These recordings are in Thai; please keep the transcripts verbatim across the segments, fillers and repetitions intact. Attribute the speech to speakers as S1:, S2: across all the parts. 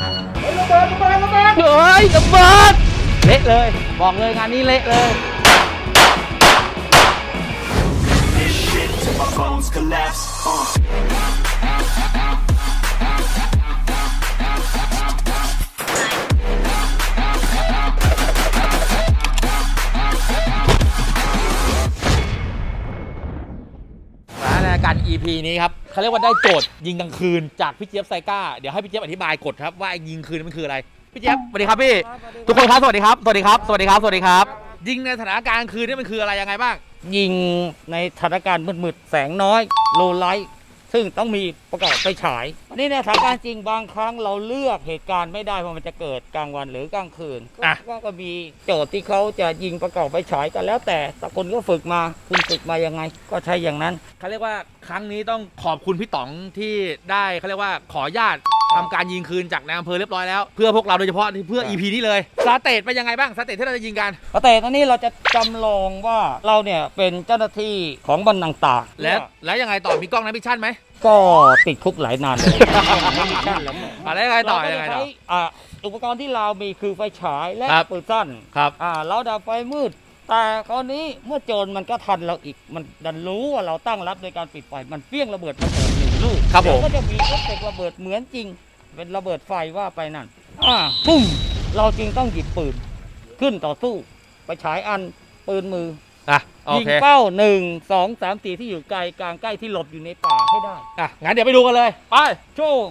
S1: ระเบิดระเบิดระเบิด
S2: เฮ้ยระเบิดเละเลยบอกเลยงานนี้เละเลย
S3: My bones collapse. Uh.
S2: ในการ อี พี นี้ครับเขาเรียกว่าได้โจทย์ยิงกลางคืนจากพี่เจี๊ยบไซก้าเดี๋ยวให้พี่เจี๊ยบอธิบายกฎครับว่ายิงคืนมันคืออะไรพี่เจี๊ยบสวัสดีครับพี่ทุกคนครับสวัสดีครับสวัสดีครับสวัสดีครับสวัสดีครับยิงในสถานการณ์กลางคืนนี่มันคืออะไรยังไงบ้าง
S4: ยิงในสถานการณ์มืดๆแสงน้อยโลไลท์ซึ่งต้องมีประกอบไฟฉายอันนี้ในสถานการณ์จริงบางครั้งเราเลือกเหตุการณ์ไม่ได้ว่ามันจะเกิดกลางวันหรือกลางคืนก็ก็มีโจทย์ที่เขาจะยิงประกอบไฟฉายกันแล้วแต่แต่คนก็ฝึกมาคุณฝึกมายังไงก็ใช้อย่างนั้น
S2: เขาเรียกว่าครั้งนี้ต้องขอบคุณพี่ต๋องที่ได้เขาเรียกว่าขออนุญาตทำการยิงคืนจากนายอำเภอเรียบร้อยแล้วเพื่อพวกเราโดยเฉพาะเพื่อ อี พี นี้เลยสเตทเป็นยังไงบ้างสเตทที่เราจะยิงกัน
S4: สเตทตอนนี้เราจะจำลองว่าเราเนี่ยเป็นเจ้าหน้าที่ของบรรต่าง
S2: ๆแล้วแล้วยังไงต่อมีกล้องนักวิชั่นไหม
S4: ก็ติดคุกหลายนานเลยไม่มีชั่นแล้ว
S2: อะไรยังไงต่อยังไงต่อ
S4: อุปกรณ์ที่เรามีคือไฟฉายและปืนสั้น
S2: ครับ
S4: อ่าเราดับไฟมืดแต่คราวนี้เมื่อโจรมันก็ทันเราอีกมันดันรู้ว่าเราตั้งรับโดยการปิดไฟมันเฟี้ยงระเบิดมาเปิดหนึ่งลูก
S2: ครับผม
S4: ก็จะมีเอฟเฟกต์ระเบิดเหมือนจริงเป็นระเบิดไฟว่าไปนั่นอ่าปุ้มเราจริงต้องหยิบปืนขึ้นต่อสู้ไปฉายอันปืนมือ
S2: อ่ะ
S4: ยิงเป้าหนึ่งสองสามสี่ที่อยู่ไกลกลางใกล้ที่หลบอยู่ในป่าให้ได้
S2: อ่ะงั้นเดี๋ยวไปดูกันเลยไป
S4: โชง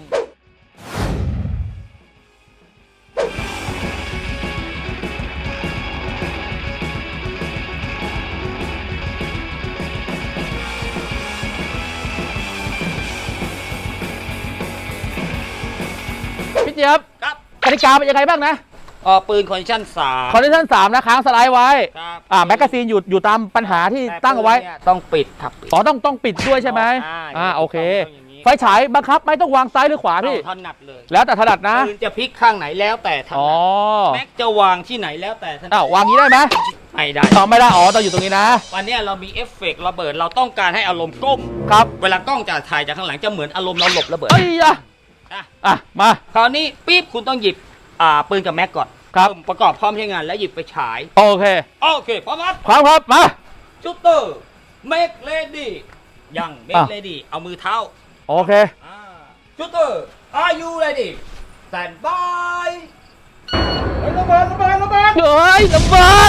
S2: พี่เจี๊ยบครับกติกาเป็นยังไงบ้างนะ
S4: อ๋อปืนคอนดิชั่นสาม
S2: คอนดิชั่นสามนะค้างสไลด์ไว้ครับอ่าแมกกาซีนอยู่อยู่ตามปัญหาที่ตั้งเอาไว้
S4: ต้องปิดครับ
S2: อ๋อต้องต้องปิดด้วยใช่ไหมอ่าโอเคไฟฉายบังคับไม่ต้องวางซ้ายหรือขวาพี่
S4: ถนัดเลย
S2: แล้วแต่ถนัดนะ
S4: ปืนจะพลิกข้างไหนแล้วแต่ถนัดแม็กจะวางที่ไหนแล้วแต่ถนัด
S2: อ้าววางนี้ได้ไหม
S4: ไม่ได้
S2: ต่อไม่ได้อ๋อต้องอยู่ตรงนี้นะ
S4: วันนี้เรามีเอฟเฟกต์ระเบิดเราต้องการให้อารมณ์ก้ม
S2: ครับ
S4: เวลากล้องจะถ่ายจากข้างหลังจะเหมือนอารมณ์เราหลบระเบิด
S2: เอ้ยอ่ะอ่ะมา
S4: คราวนี้ปี๊บคุณต้องหยิบอ่าปืนกับแม็กก่อน
S2: ครับ
S4: ประกอบพร้อมใช้งานแล้วหยิบไปฉาย
S2: โอเค
S4: โอเคพร้อมครับ
S2: พร้อมครับมา
S4: ชูเตอร์เมกเลดี้ยังเมกเลดี้เอามือเท้า
S2: โอเค
S4: ชูเตอร์ are you ready stand by
S1: ระเบิดระเบิดระเบิด
S2: เฮ้ยระเบิด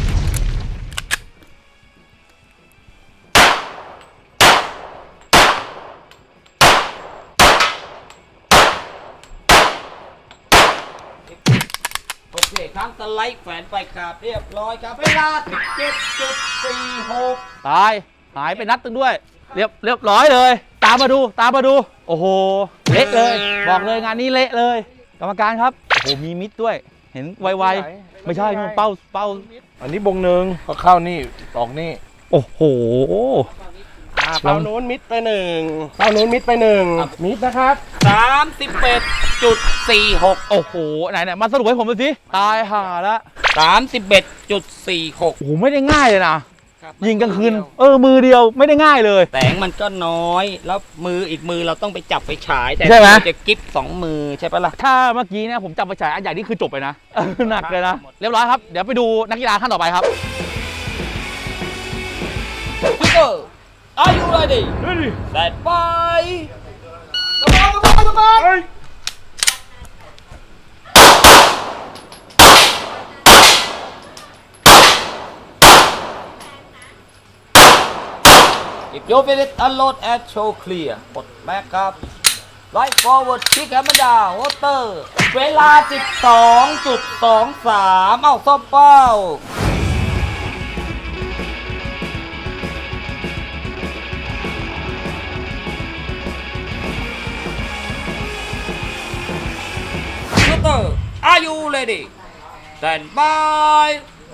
S4: โอเคครั้งสไลด์แขวนไปครับเรียบร้อยครับเวลา สิบเจ็ดจุดสี่หก
S2: ตายหายไปนัดตึงด้วยเรียบเรียบร้อยเลยตามมาดูตามมาดูโอ้โหเละเลยบอกเลยงานนี้เละเลยกรรมการครับโอ้โหมีมิดด้วยเห็นไวๆไม่ใช่เป้าเป้า
S1: อันนี้บงหนึ่งก็เข้านี่ออกนี่
S2: โอ้โห
S1: เป้านู้นมิดไปหนึ่งเป้านู้นมิดไปหนึ่งมิดนะครับ
S4: สามสิบเอ็ดจุดสี่หก
S2: โอ้โหไหนไหนมาสรุปให้ผมดูสิตายห่าละ
S4: สามสิบเอ็ดจุดสี่หก
S2: โอ้โหไม่ได้ง่ายเลยนะยิงกลางคืนเออมือเดียวไม่ได้ง่ายเลย
S4: แสงมันก็น้อยแล้วมืออีกมือเราต้องไปจับไปฉายแต่จะกิ๊บสองมือใช่ปะล่ะ
S2: ถ้าเมื่อกี้เนี่ยผมจับไปฉายอันใหญ่นี่คือจบไปนะหนักเลยนะเรียบร้อยครับเดี๋ยวไปดูนักกีฬาท่านต่อไปครับ
S4: พี่เกอร์ Are you ready
S1: ready
S4: stand by
S1: ระเบิดระเบิดระเบิด
S4: If you feel it unload and show clear กดแม็กครับ Right forward kick hammer down water เวลา สิบสองจุดสองสาม เอ้าซ่อมเป้าShooter Are you ready Stand by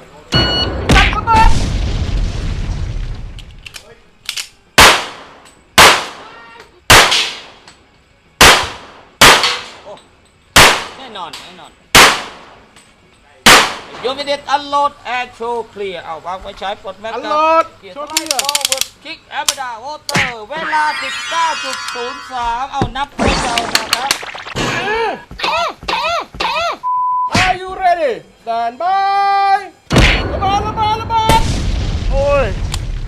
S4: แน่นอนแน่นอนยูมิเดตอันโหลดแอร์โชว์เคลียร์เอาวางไว้ใช้ปลดแม็กซ์
S1: อันโหลดโชว์เคลียร์
S4: คิกแอมดาวอเตอร์เวลา สิบเก้าจุดศูนย์สาม เอานับให้เรานะครับ
S1: stand by ระเบิดระเบิดระเบิดโอ้ย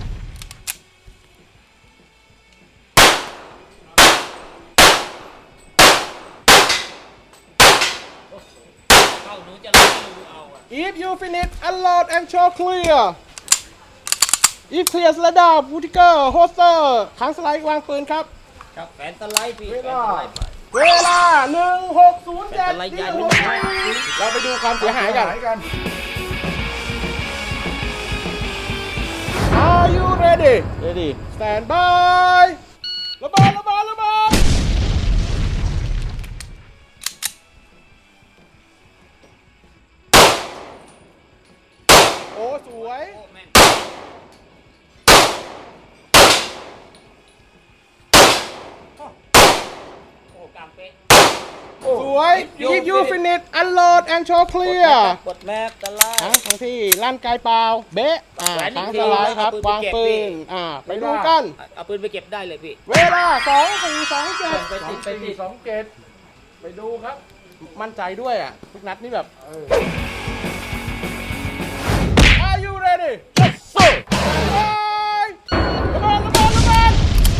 S4: เข้าหนูจะรู้ดูเอาอะ
S1: if you finish unload and show clear if clear ระดับ Whittaker holster ค้างสไลด์วางปืนครับ
S4: ครับแฟนสไลด์พี่
S1: เว
S4: แฟน
S1: ลา
S4: สไลด์ไป
S1: เวลาหนึ่งหกศูนย์เจ็ด
S4: เป็นอะไรใหญ่
S1: เราไปดูความเสียหายกัน Are you ready
S2: ready
S1: stand by ระเบิดระเบิดระเบิดโอ้สวย
S4: โอ้แม่นโอ้กลางเป๊ะ
S1: สวย if you finish unload and show clear
S4: กดแม็กสไล
S1: ทั้ง
S4: ด์
S1: ทั้งที่ลั่นไกลเปล่าเบ๊ะอ่า
S4: แหวนอีก
S1: ทั้ง
S4: ที
S1: สไลด์ครับ
S4: แล้วเอาปืน
S1: วาง
S4: ไปเก็บ
S1: ปื
S4: พี่
S1: นอ่าไปดูกัน
S4: เอาปืนไปเก็บได้เลยพี่
S1: เวลาสองสี่สองเจ็ด
S4: ไปติดไปติด
S1: สองเจ็ดไปดูครับ มั่นใจด้วยอ่ะ ทุกนัดนี่แบบ Are you ready Yes sir ระเบิดระเบิดระเบิด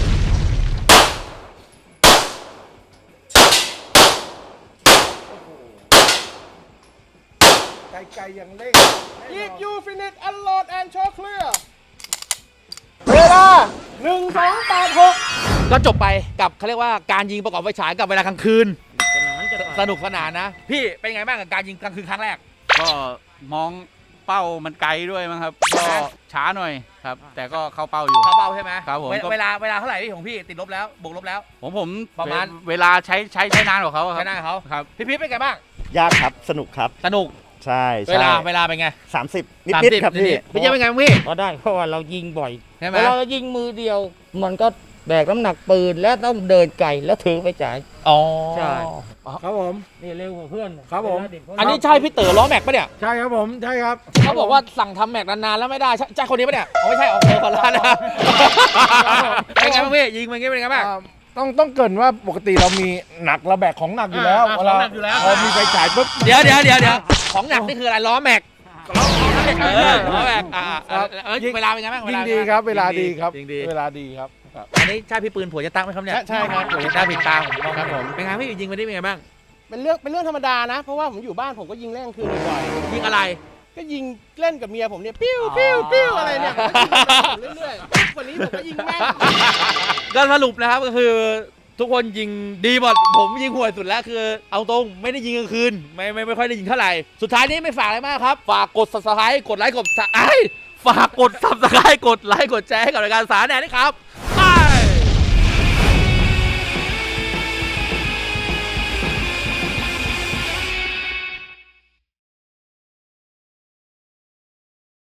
S5: ไกลๆอย่างเร่ง
S1: If you finish unload and show clear เวลาหนึ่งสองแปดหก
S2: ก็จบไปกับเขาเรียกว่าการยิงประกอบไฟฉายกับเวลากลางคืน
S4: สนานจะ
S2: สนุกสนานนะ พี่เป็นไงบ้างกับการยิงกลางคืนครั้งแรก
S6: ก็มองเป้ามันไกลด้วยมั้งครับ ก็ช้าหน่อยครับ แต่ก็เข้าเป้าอยู่
S2: เข้าเป้าใช่ไหม
S6: ครับผม
S2: เว
S6: ก็
S2: เวลาเวลาเท่าไหร่พี่ของพี่ติดลบแล้วบวกลบแล้ว
S6: ผมผม
S2: ประมาณ
S6: เวลาใช้ใช้ใช้นานกว่าเขาครับ
S2: ใช้หน้าเขา
S6: ครับ
S2: พี่พีชเป็นไงบ้าง
S7: ยากครับ สนุกครับ
S2: สนุก
S7: ใช่ใช่
S2: เวลาเวลาเป็นไง
S7: สามสิบนิด
S2: สาม
S7: นิด
S2: สิบ
S7: ครับพี่
S2: นิดๆพี่เจ๊เป็นไงบ้างพี่
S4: ก็ได้เพราะว่าเรายิงบ่อย
S2: ใช่ไหม
S4: เวลาเรายิงมือเดียว มันก็แบกน้ำหนักปืนและต้องเดินไกลแล้วถือไปจ่าย
S2: อ๋อ
S4: ใช่
S5: ครับผม
S4: นี่เร็วกว่าเพื่อน
S5: ครับผม
S4: เวลาเด็กเขา
S2: อันนี้ใช่พี่เต๋อล้อแม็กปะเนี่ย
S5: ใช่ครับผม ใช่ครับ
S2: เขาบอกว่าสั่งทำแม็กนานๆแล้วไม่ได้ใช่ใช่คนนี้ปะเนี่ยอ๋อไม่ใช่ออกเบอร์คนละนะเป็นไงบ้างพี่ยิงมันงี้เป็นไงบ้าง
S5: อ่าต้องต้องเกรินว่าปกติเรามีหนักเราแบกของหนักอยู่แล้ว
S2: อ่า
S5: เวลา
S2: ของหนักอยู่แล้ว
S5: พอมีไฟฉายปุ๊บ
S2: เดี๋ยวเดี๋ยวเดี๋ยวเดี๋ยวของหนักนี่คืออะไรล้อแม็กเออล้อแม็กอ่าเออเออเวลาเป็นไงบ้าง
S5: ยิง
S2: เป็น
S5: ดี
S2: ไงาง
S5: ครับ เวลาดีครับ
S2: ยิงดี
S5: เวลาดีครับครับ
S2: อันนี้ใช่พี่ปืนผัวจะตั้งไหมครับเนี่ย
S1: ใช่ครับ
S2: ผัวจะตั้งผิดตาผมมองครับผมเป็นไงพี่ยิงไปได้เป็นไงบ้าง
S1: เป็นเรื่องเป็นเรื่องธรรมดานะ เพราะว่าผมอยู่บ้านผมก็ยิงเล่นกลางคืนบ่อย
S2: ยิงอะไร
S1: ๆก็ยิงเล่นกับเมียผมเนี่ย ปิ้วปิ้วปิ้วอะไรเนี่ยผมก็ยิงเรื่อยๆปุ๊บวันนี้ผมก็ยิงแม่ง
S2: ก็สรุปนะครับก็คือทุกคนยิงดีหมดผมยิงห่วยสุดแล้วคือเอาตรงไม่ได้ยิงกลางคืนไม่ไม่ไม่ค่อยได้ยิงเท่าไหร่สุดท้ายนี้ไม่ฝากอะไรมากครับฝากกด ซับสไครบ์ กดไลค์กดไอ้ฝากกด ซับสไครบ์ กดไลค์กดแชร์ให้กับรายการสารแหน่นี่ครับ